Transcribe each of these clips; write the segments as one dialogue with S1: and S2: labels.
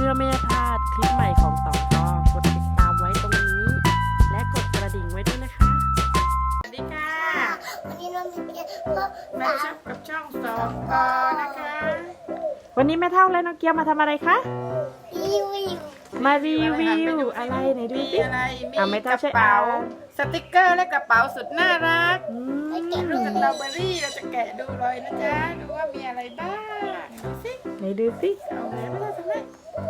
S1: พื่อไม่ให้พลาดคลิปใหม่ของต่อก็กดติดตามไว้ตรงนี้ และกดกระดิ่งไว้ด้วยนะคะ
S2: สวัสดีค่ะ
S3: วันนี้เรามีเพียงเพื่อ
S2: มาชมกับช่องสองกอนะคะ
S1: วันนี้แม่เท่าและน้องเกียวมาทำอะไรคะ
S3: รีวิว
S1: มารีวิวอะไรไหนดู
S2: มี
S1: สิ
S2: อะไรมี
S1: ไม่
S2: ก
S1: เท่า
S2: ระ
S1: ช่วย
S2: เป๋า
S1: อ่าน
S2: สติกเกอร์และกระเป๋าสุดน่ารัก
S1: อืม
S2: ลูกสตรอเบอรี่เราจะแกะดูเลยนะจ๊ะดูว่ามีอะไรบ้างดูสิ
S1: ไหนดูสิ
S2: เอาไหนไม่ได้ทำไม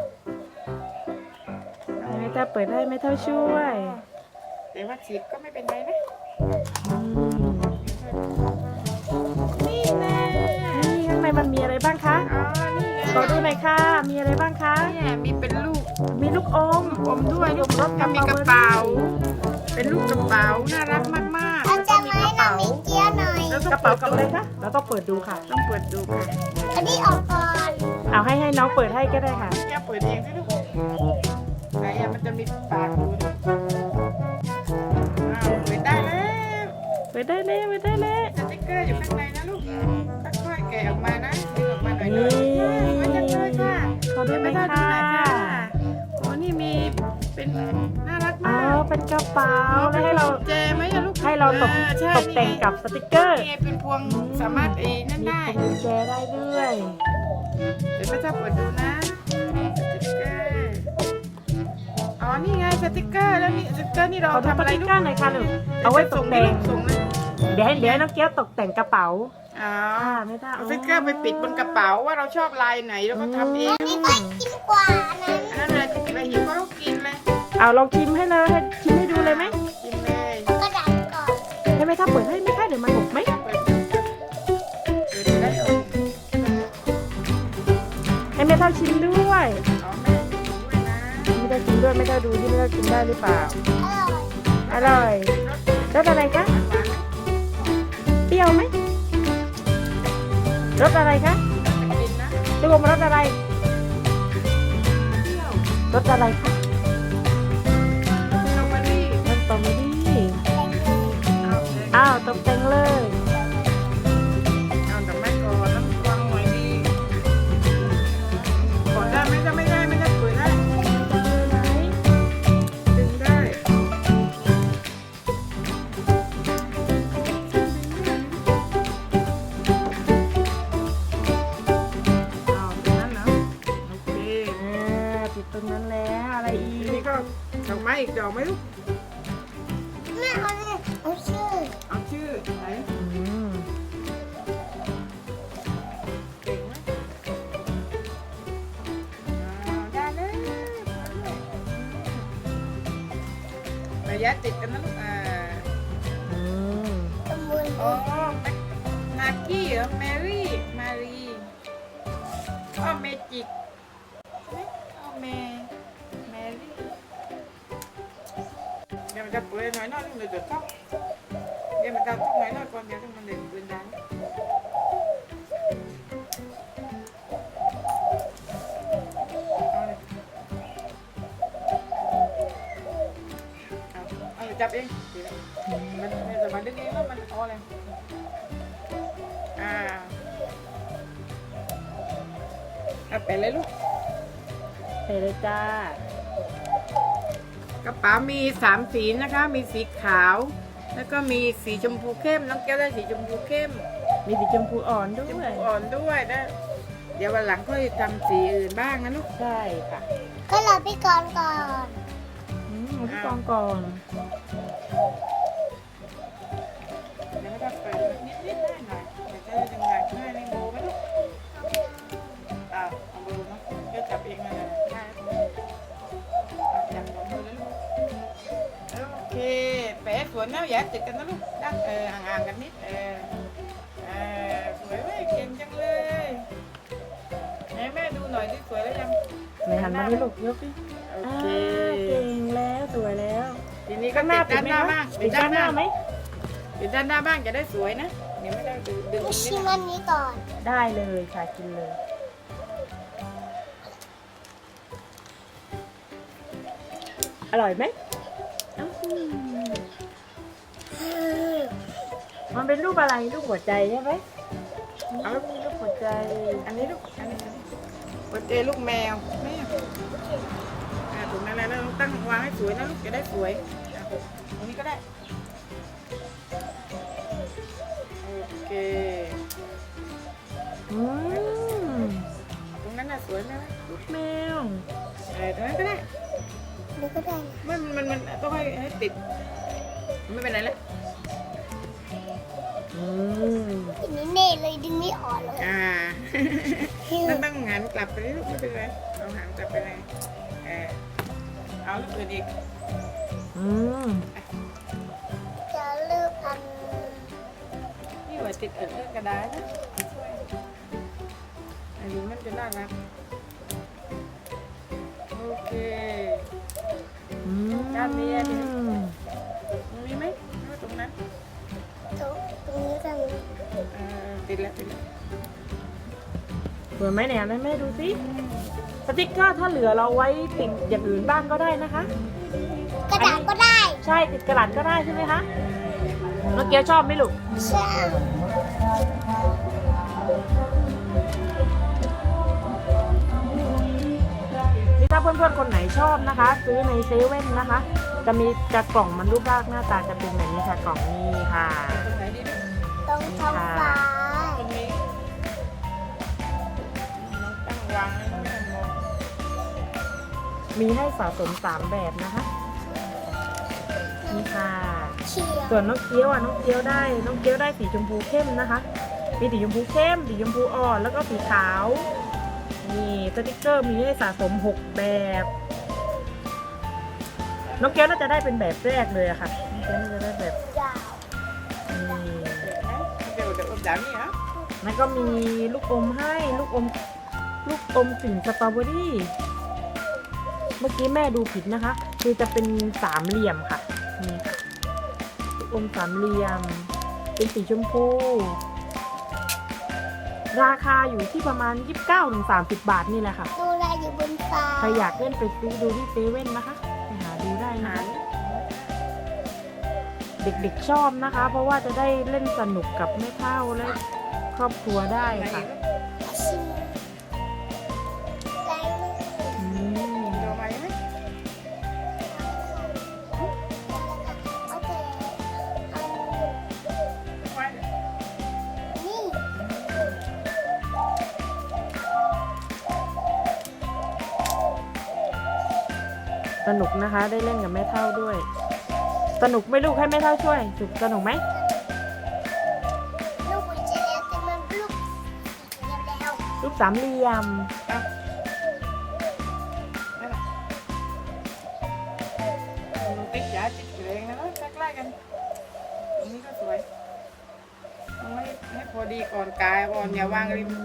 S1: แม่เท่าเปิดให้แม่เท่าช่วย
S2: แต่ว่าฉีกก็ไม่เป็นไรนะ
S1: อืม
S2: นี่แน่
S1: นี่ข้างในมันมีอะไรบ้างคะ
S2: อ๋อนี่ไง
S1: ขอดูหน่อยค่ะมีอะไรบ้างคะ
S2: เนี่ยมีเป็นลูก
S1: มีลูกอม
S2: อมด้วยลูก
S1: รส
S2: ก็มีกระเป๋า เป็นลูกกระเป๋าน่ารักมากๆ
S3: เรา
S2: แล้ว
S3: จะ
S2: ก็มี
S3: มาก
S2: ระ
S3: ให้น้อ
S2: เป๋าง
S3: มิเกียหน่อย
S2: แล้ว
S1: กระเป๋ากับอะไรคะเราต้องเปิดดูค่ะ
S2: ต้องเปิดดูค่ะ
S3: อันนี้ออกก่อน
S1: เอาให้น้องเปิดให้ก็ได้ค่ะ
S2: แกเปิดเองสิลูกไหนอะมันจะมีปากดูนะอ้าวเปิดได้แล้ว
S1: เปิดได้เลยเปิดได้เลย
S2: สติ๊กเกอร์อยู่ข้างในนะลูกค่อยๆแกะออกมานะดึงออกมาหน่อย
S1: นี่
S2: ไว้จังเลยค่ะ
S1: ขอดูหน่อย
S2: ไม่
S1: ค่ะ
S2: ได้ดูหน่อยค่ะโอ้นี่มีเป็นน่ารัก
S1: อ๋อ
S2: มาก
S1: เป็นกระเป๋าแล้วให้เรา
S2: เจไหมอะลูก
S1: ให้เราตก
S2: ใช่
S1: ตกแต่งกับสติกเกอร์
S2: นี่ไงเป็นพวงสามารถนั่น
S1: มี
S2: ได้
S1: พวงกุญแจได้ด้วย
S2: เดี๋ยวแม่จะเปิดดูนะสติ๊กเกอร์อ๋อนี่ไงสติ๊กเกอร์แล้วนี่สติ๊กเกอร์นี่เรา
S1: ขอดู
S2: ทำ
S1: ส
S2: อะไร
S1: ติก
S2: ลูก
S1: เกอร์หน่อยค่ะลูกเอาไว้ตกแต่ง
S2: ส่งเลย
S1: เดี๋ยวให้น้องเกี้ยวตกแต่งกระเป๋า
S2: อ๋อ
S1: ไม่ได้
S2: เอาสติ๊กเกอร์ไปปิดบนกระเป๋าว่าเราชอบลายไหนเราก็ทำเอง
S3: อันนี้ก็กินกว่าอันนั้น
S2: อันนั้นเลยเราหิวก็ต้องกินเลย
S1: เอาลองชิมให้เลยให้ชิมให้ดูเลยไหม
S2: กินเลย
S3: กระดาษก่อน
S1: ให้แม่ถ้าเปิดให้ไหมคะเดี๋ยวมันหกไหม
S2: เปิดดูได้เอา
S1: ให้แม่เท่าชิมด้วย
S2: อ๋อแม่กินด้วยนะ
S1: ไม่ได้ชิมด้วยไม่ได้ดูที่ไม่ได้กินได้หรือเปล่า
S3: อร่อย
S1: อร่อยรสอะไรคะ
S2: หวานไหม
S1: เปรี้ยวไหมรสอะไรคะ
S2: กินนะ
S1: ลูกอมรสอะไร
S2: เที่ยว
S1: รสอะไรคะ
S2: สตรอเบอรี่
S1: รสสตรอเบอรี่
S2: เอาเลย
S1: อ้าวตกแต่งเลย
S2: เอาแต่แม่ก่อนต้องวางหน่อยดีกดได้ไหมถ้าไม่ได้ไม่ได้เปิดได้ดึงได้เอาตรงนั้นนะโอเค
S1: ติดตรงนั้นแล้วอะไรอี
S2: ที
S1: ก
S2: นี้ก็ดอกไม้อีกดอกไหมลูก
S3: แม่เอาเนี่ยเอาชื่อ
S2: เอาชื่อไหน
S1: อืม
S2: เก่งไหมได้เลยระยะติดกันนะลูก
S1: อืม
S3: ตะมุน
S2: อ๋อนากี้เหรอแมรี่มารีอ๋อเมจิกใช่ไหมอ๋อแมรี่เดี๋ยวมันจะเปิดหน่อยลูกเดี๋ยวจะต้องเดี๋ยวมันจะต้องหน่อยก่อนเดี๋ยวต้องมันเดินปืนได้เอาเลยเอาจับเองดีแล้วมันจะมาดึงเองแล้วมันเอาอะไรเอาไปเลยลูก
S1: ใส่เลยจ้าก
S2: ระเป๋ามี3สีนะคะ มีสีขาว แล้วก็มีสีชมพูเข้มน้องแก้วได้สีชมพูเข้ม
S1: มีสีชมพูอ่อนด้
S2: ชม
S1: ว
S2: พู
S1: ย
S2: อ่อนด้วยนะเดี๋ยววันหลังค่อยทำสีอื่นบ้างนะลูก
S1: ใช่ค่ะ
S3: ก็รอพี่กรณ์ก่อน
S1: เอาที่กองก่อน
S2: เดี๋ยวไม่ต้องเปิดนิดได้หน่อยเดี๋ยวจะได้ยังไงง่ายในโบไหมลูกเอาโบเนาะเดี๋ยวจับเองเลยได้จับของมือเลยลูกโอเคแปะสวนนะอย่าติดกันนะลูกดั้งห่างๆกันนิดสวยเว้ยเก่งจังเลยให้แม่ดูหน่อยที่สวยแล้วยัง
S1: ไหนหันมาที่ลูกยกดิ
S2: โอ
S1: อ่า
S2: เค
S1: เก่งแล้วสวยแล้ว
S2: ทีนี้ก็ติดด้านหน้าบ้าง
S1: ติดด้านหน้าไหม
S2: ติดด้านหน้าบ้างจะได้สวยนะเดี๋ยวไม่ได้ดึง
S3: พี่
S2: นิ
S3: ชิ
S2: ด
S3: ม
S2: นะ
S3: อันนี้ก่อน
S1: ได้เลยค่ะกินเลย อร่อยไหมอื้อหือมันเป็นรูปอะไรรูปหัวใจใช่ไหมรูปหัวใจ
S2: อันนี้ลูกอันนี้หัวใจลูกแมวแม่ตั้งวางให้สวยนะลูกจะได้สวยอ่ะตรงนี้ก็ได้โอเค
S1: อืม
S2: ตรงนั้นน่ะสวยไหม
S1: ลูกแมว
S2: ตรงนั้นก็ได้
S3: ดูก็ได้นะ
S2: มันต้องให้ติดไม่เป็นไรแล้ว
S1: อืม
S3: อันนี้เน่เลยดึงไม่ออกเลย
S2: ต้องหันกลับไปเลยลูกไม่เป็นไรเอาหางกลับไปเลยเอาลูกอื่นอีก
S1: อืม
S3: จะเลือกอัน
S2: นี่ว่าติดเรื่องกระดาษนะช่วยอันนี้มันจะน่ารักโอเค
S1: อืม
S2: ด้านนี้ตรงนี้ไหมหรือว่าตรงนั้น
S3: ตรงนี้กัน
S2: ติดแล้ว
S1: สวยไหมเนี่ยแม่ดูสิสติ๊กเกอร์ถ้าเหลือเราไว้ติดอย่างอื่นบ้างก็ได้นะคะ
S3: กระดาษก็ได้
S1: ใช่ติดกระดาษก็ได้ใช่ไหมคะน้องเกียวชอบไหมลูก
S3: ใช่
S1: นี่ถ้าเพื่อนๆคนไหนชอบนะคะ ซื้อในเซเว่นนะคะ จะกล่องมันรูปร่างหน้าตาจะเป็นแบบนี้ค่ะกล่องนี้ค่ะ
S2: ตรงไหนดีลูก
S3: ตรงท้องฟ้า
S2: ตรงนี้ตั้งวางให้ไม่ต้องมอง
S1: มีให้สะสม3แบบนะคะนี่ค่ะ
S3: เขียว
S1: ส่วนน้องเกี๊ยวน้องเกี๊ยวได้สีชมพูเข้มนะคะ มีสีชมพูเข้มสีชมพูอ่อนแล้วก็สีขาวนี่สติกเกอร์มีให้สะสม6แบบน้องเกี๊ยวน่าจะได้เป็นแบบแรกเลยอะค่ะน้องเกี๊ยวน่าจะได้แบบ
S3: ยาว
S1: นี่
S2: เดี๋ยวดาวนี่เหรอ
S1: แล้วก็มีลูกอมให้ลูกอมกลิ่นสตรอเบอรี่เมื่อกี้แม่ดูผิดนะคะ คือจะเป็นสามเหลี่ยมค่ะนี่ค่ะลูกอมสามเหลี่ยม เป็นสีชมพู ราคาอยู่ที่ประมาณ 29-30 บาทนี่แหละค่ะ
S3: ดูแลอยู่บนฟ้า
S1: ใครอยากเล่นไปซื้อดูที่เซเว่นนะคะไปหาดูได้นะ
S2: หา
S1: คะ
S2: ร
S1: เด็กๆชอบนะคะ เพราะว่าจะได้เล่นสนุกกับแม่เฒ่าและครอบครัวได้
S2: ไหน
S1: ค่ะ
S3: ชิมแรง
S1: อืม
S2: โดมาไหม
S3: โอเคนี่
S1: สนุกนะคะ ได้เล่นกับแม่เฒ่าด้วย สนุกไหมลูกให้แม่เฒ่าช่วยสนุกไหม
S3: ลูกกุญแจแล้วแต่มันลูกสีเขียวแล้ว
S1: ลูกสามเหลี่ยม
S2: ติดยาติดแรงนะใกล้ๆกันตรงนี้ก็สวยต้องให้พอดีก่อนกายก่อนอย่าวางริม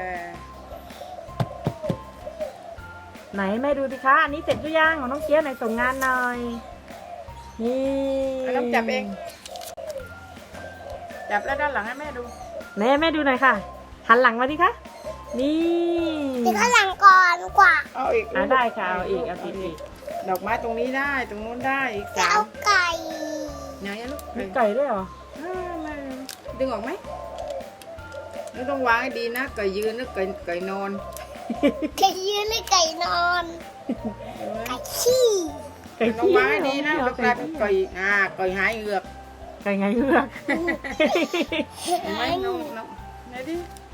S1: ไหนแม่ดูสิคะอันนี้เสร็จหรือยังของน้องเกี๊ยวไหนส่งงานหน่อยนี่
S2: ต้องจับเองจับแล้วด้านหลังให้แม่ดู
S1: แม่ดูหน่อยค่ะ หันหลังมาดิคะนี่
S3: ติดข้างหลังก่อนกว่า
S2: เอาอีก
S1: ได้ค่ะเอาอีก
S2: ดอกไม้ตรงนี้ได้ตรงนู้นได้อีก
S3: จะ
S2: 3
S3: เอาไก่
S2: ไหนอะลูก
S1: มีไก่ด้วยเหรอ
S2: ไม่ดึงออกไหมนี่ต้องวางให้ดีนะไก่ยืนนะไก่นอน
S3: ไก่ยืนหรือไก่นอน ไก่ขี้
S1: ไก่
S2: ต้อง
S1: ขี้
S2: วางให้ดีนะ
S1: เหร
S2: แล้วกลายเป็นไก่ไก่หายเหงือก
S1: ไก่ไงเลือก
S2: เห็นไหมน้องไหนดิ